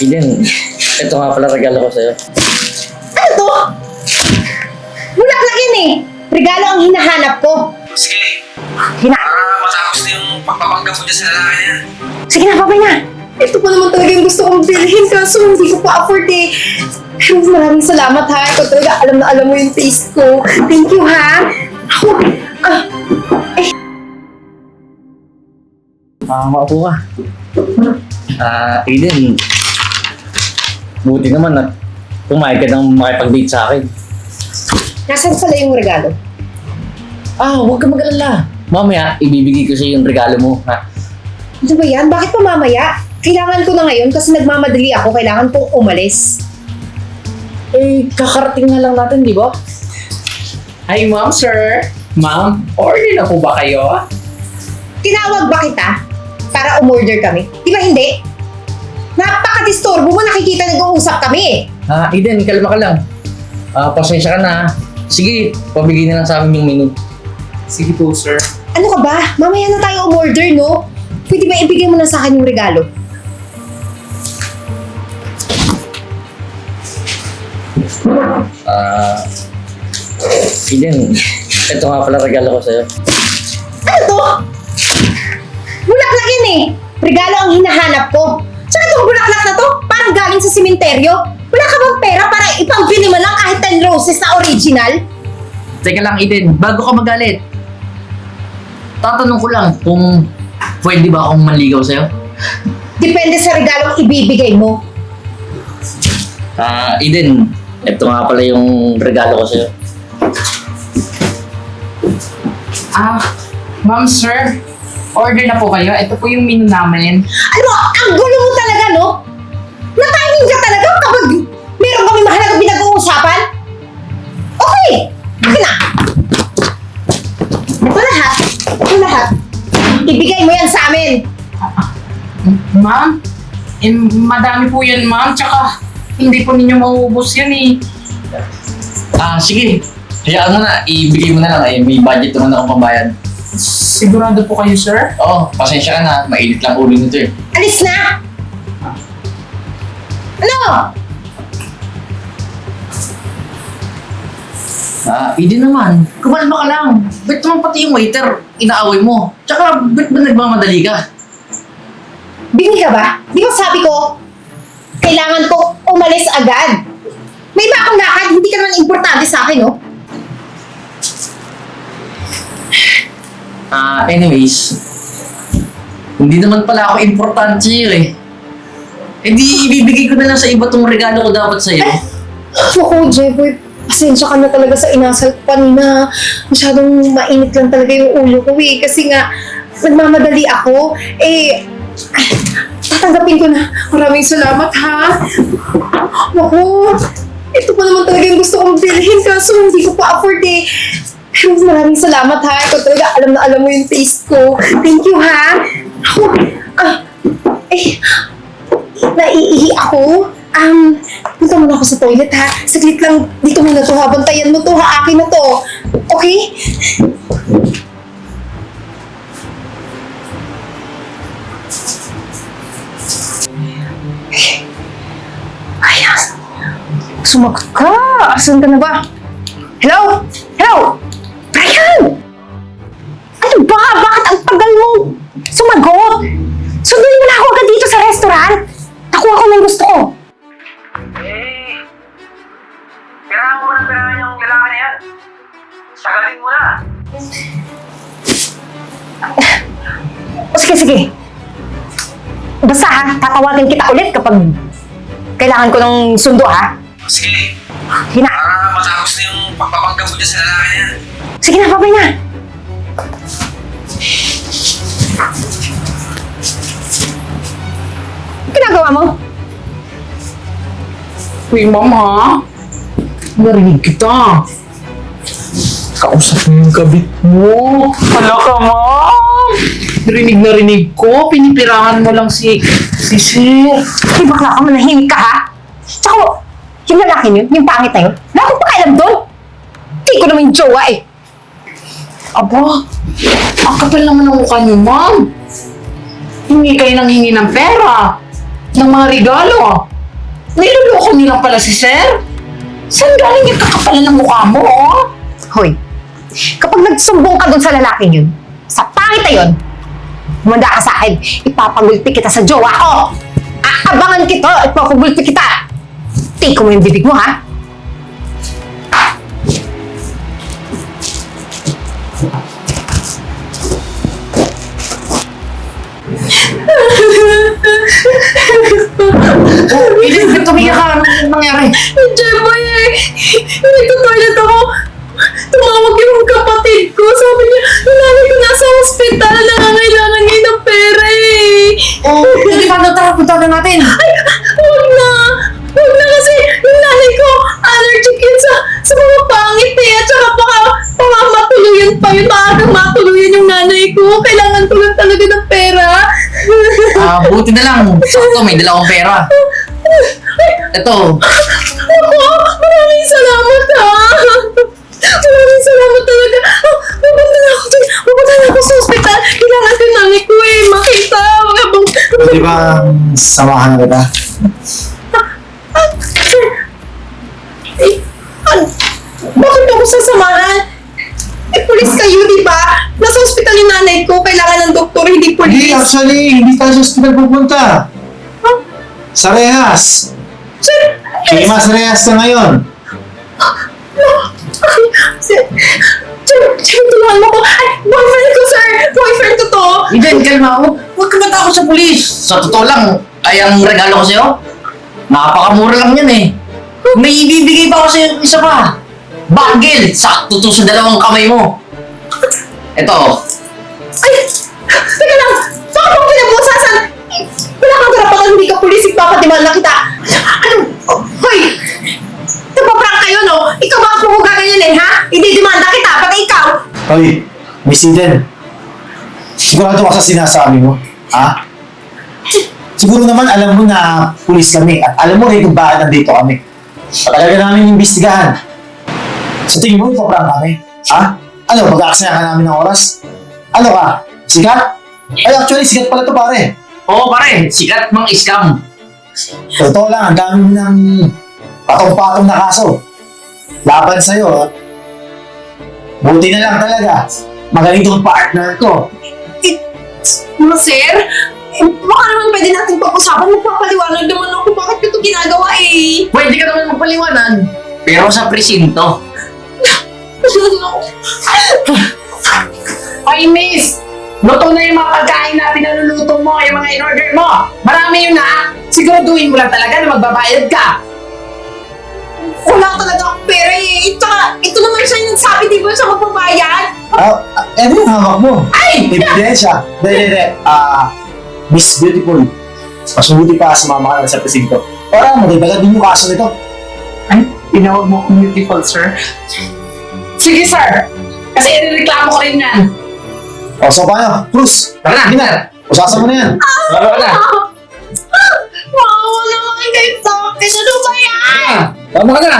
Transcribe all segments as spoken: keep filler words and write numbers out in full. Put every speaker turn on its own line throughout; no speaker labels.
Eden, ito nga pala regalo ko sa'yo.
Ano to? Bulaklak yan eh. Regalo ang hinahanap ko.
Sige,
Hina...
para matapos na yung pagpapanggap mo dyan sa lalaki niya.
Sige na, babay na. Ito pa naman talaga yung gusto kong bilhin kaso hindi ko pa afford eh. Pero maraming salamat ha. Ikaw talaga alam na alam mo yung taste ko. Thank you ha. Ako, ah,
Ah, maupo ka. Ah, Eden, buti naman at pumayag ka nang makipag-date sa akin.
nasaan pala yung regalo?
Ah, huwag ka mag-alala. Mamaya, ibibigay ko sa'yo yung regalo mo, ha?
Ano ba yan? Bakit pa mamaya? Kailangan ko na ngayon kasi nagmamadali ako. Kailangan kong umalis.
Eh, kakarating na lang natin, di ba?
Hi, ma'am, sir. Ma'am, order na po ba kayo?
Tinawag ba kita para umorder kami? Di ba hindi? Napaka-disturbo mo. Nakikita nag-uusap kami eh.
Ah, Eden, kalma ka lang. Ah, pasensya ka na, ha? Sige, pabigay na lang sa amin yung menu.
Sige po, sir.
Ano ka ba? Mamaya na tayo umorder, no? Pwede ba ibigay mo na sa akin yung regalo?
Ah, Eden, ito nga pala regalo ko sa'yo.
Ano to? Bulaklak yan eh. Regalo ang hinahanap ko. Tsaka itong bulaklak na to, parang galing sa simenteryo. Wala ka bang pera para ipambili mo lang kahit ten roses na original?
Teka lang, Eden, bago ka magalit. Tatanong ko lang kung pwede ba akong manligaw sa'yo?
Depende sa regalong ibibigay mo.
Ah, Eden, ito nga pala yung regalo ko sa'yo.
Ah, ma'am, sir. Order na po kayo. Ito po yung menu namin.
Alam mo, ang gulo mo talaga, no? Na-timing ka talaga kapag meron kami mahalagang pinag-uusapan? Okay, akin na. Ito lahat. Ito lahat. Ibigay mo yan sa amin.
Ma'am, eh, madami po yan, ma'am. Tsaka, hindi po ninyo mauubos yan eh.
Ah, sige. Hayaan mo na, ibigay mo na lang. Eh, may budget naman akong pambayad.
Sigurado po kayo, sir?
Oo, pasensya ka na. Mainit lang ulo nito eh.
Alis na! Ano?
Ah, Eden naman. Kumalma ka lang. Ba't naman pati yung waiter, inaaway mo? Tsaka, ba't ba nagmamadali ka?
Bingi ka ba? Di ba sabi ko, kailangan ko umalis agad. May iba akong lakad, hindi ka naman importante sa akin, no?
Ah, anyways, hindi naman pala ako importante sa'yo eh. Eh di, ibibigay ko na lang sa iba tong regalo ko dapat sa'yo.
Naku, Jeboy, pasensya ka na talaga sa inasal ko kanina. Masyadong mainit lang talaga yung ulo ko eh. Kasi nga, nagmamadali ako. Eh, ay, tatanggapin ko na. Maraming salamat ha. Naku, ito pa naman talaga yung gusto kong bilhin kaso hindi ko pa afford eh. Pero maraming salamat ha. Ikaw talaga alam na alam mo yung taste ko. Thank you ha. Ako, ah, eh, naiihi ako. Um, punta muna ako sa toilet ha. Saglit lang, dito muna to ha. Bantayan mo to ha. Akin na to. Okay? Ayan. Sumagot ka. Asan ka na ba? Hello? Hello? Brian! Ano ba? Bakit ang tagal mo sumagot? Sunduin mo na ako agad dito sa restaurant. Nakuha ko ng gusto ko.
Eh, pirahan mo ng pirahan yung lalaki na yan. Sagalin mo na.
O sige, sige. Basta ha, tatawagan kita ulit kapag kailangan ko ng sundo ha.
Sige,
Sige na.
para matapos na yung pagpapanggap mo dyan sa lalaki niya.
Sige na, babay na. Ano ginagawa mo?
Uy, ma'am, ha? Narinig kita. Kausap mo yung kabit mo. Hala ka, ma'am. Narinig na rinig ko. Pinipirahan mo lang si, si Sir.
Ay, bakla ka, manahimik ka ha? Tsaka, yung lalaki niyo, yung pangit na yun, wala akong pakialam doon. Hindi ko naman yung jowa eh.
Aba, ang kapal naman ng mukha niyo, ma'am. Hingi kayo ng hingi ng pera. ng mga regalo. Niloloko nilang pala si sir. Saan galing yung kakapalan ng mukha mo, oh?
Hoy, kapag nagsumbong ka dun sa lalaking yun, sa pangit na yun, humanda ka sa akin, ipapagulpi kita sa jowa ko. Aabangan kita, ipapagulpi kita. Tiko mo yung bibig mo, ha?
Eden, ba't tumiyak ka? Anong nangyari?
Jeboy, eh, nagto-toilet ako. Tumawag yung kapatid ko. Sabi niya, yung nanay ko nasa hospital, nangangailangan ngayon ng pera eh.
Oh, hindi pa na tara, punta na natin.
Ay, huwag na. Huwag na kasi yung nanay ko, allergic yun sa, sa mga pangit eh. At saka baka, baka matuluyan pa yun. Maagang matuluyan yung nanay ko. Kailangan ko lang talaga ng pera.
Ah, buti na lang. Sakto, may dala akong pera. Ito.
Ako, maraming salamat ha. Maraming salamat talaga. Oh, pupunta na ako dun. Pupunta na ako sa hospital. Kailangan ko yung nanay ko eh. Makita. Mga bang...
Pwede ba samahan na kita?
Ah, sir. Eh, ano? Bakit ako sasamahan? Eh, pulis kayo, di ba? Nasa hospital yung nanay ko. Kailangan ng doktor, hindi
Hindi,
pulis.
actually, hindi tayo sa hospital pupunta.
Huh?
Sa Rehas.
Sir,
Kay Mas Rehas ka ngayon.
Ay, sir, sir, sir, tulungan mo ko. Ay, boyfriend ko, sir. Boyfriend ko to.
Eden, kalma. Huwag, huwag ka matakot sa pulis. Sa totoo lang, ay ang regalo ko sa'yo. Napakamura lang yan eh. May ibibigay pa ako sa'yo isa pa. Bagel! Sakto to sa dalawang kamay mo. Ito.
Ay, teka lang. Baka pang pinabusasan. Eh, wala kang karapatan, hindi ka pulis. Ipapatimal na kita. Ano? Oh, hoy! Napaprank kayo, no? Ikaw ba ang ganyan eh, ha? Hindi demanda kita, pati ikaw.
Hoy, Miss Eden. Sigurado ka sa sinasabi mo, ha? Siguro naman alam mo na pulis kami at alam mo rin kung bakit nandito kami. Patagal ka namin imbestigahan. Sa tingin mo, ipaprank kami, ha? Ano, mag-aaksaya ka namin ng oras? Ano ka? Sikat? Ay, actually, sikat pala to pare.
Oo pare, sikat mang scam.
Totoo lang, ang dami ng patong-patong na kaso. Laban sa'yo, ha? Buti na lang talaga. Magaling tong partner ko.
Mga sir, eh, baka naman pwede natin pag-usapan. Magpapaliwanag naman ako bakit ko ito ginagawa eh.
Pwede ka naman magpaliwanag. Pero sa presinto. Ay, miss! Luto na yung mga pagkain na pinaluluto mo, yung mga in-order mo. Marami yun na. Siguraduhin mo lang talaga na magbabayad ka.
Wala talaga akong pera eh. Ito, ito naman siya yung nagsabi, di ba siya magbabayad?
Ah, ah, ano yung hawak mo?
Ay!
Ebidensya. Dahil, dahil, dahil. Ah, Miss Beautiful. Mas mabuti pa sumama ka na sa presinto. Para magdagdagan din yung kaso nito.
Ay, tinawag mo akong beautiful, sir. Sige, sir. Kasi irereklamo ko rin yan.
O, so paano? Cruz!
Tara na.
Hindi na! Usasan mo na yan!
Tara na.
Maawa naman kayo sa akin. Ano ba yan?
Tama ka na.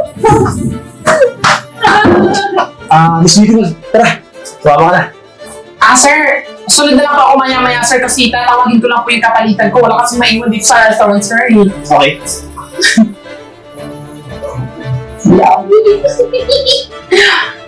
Ah, Miss Beautiful, tara! Sumama ka na.
Ah, sir. Sunod na lang po ako maya-maya, sir, kasi tatawagin ko lang po yung kapalitan ko. Wala kasi maiwan dito sa restaurant, sir. eh.
Okay.
Love you.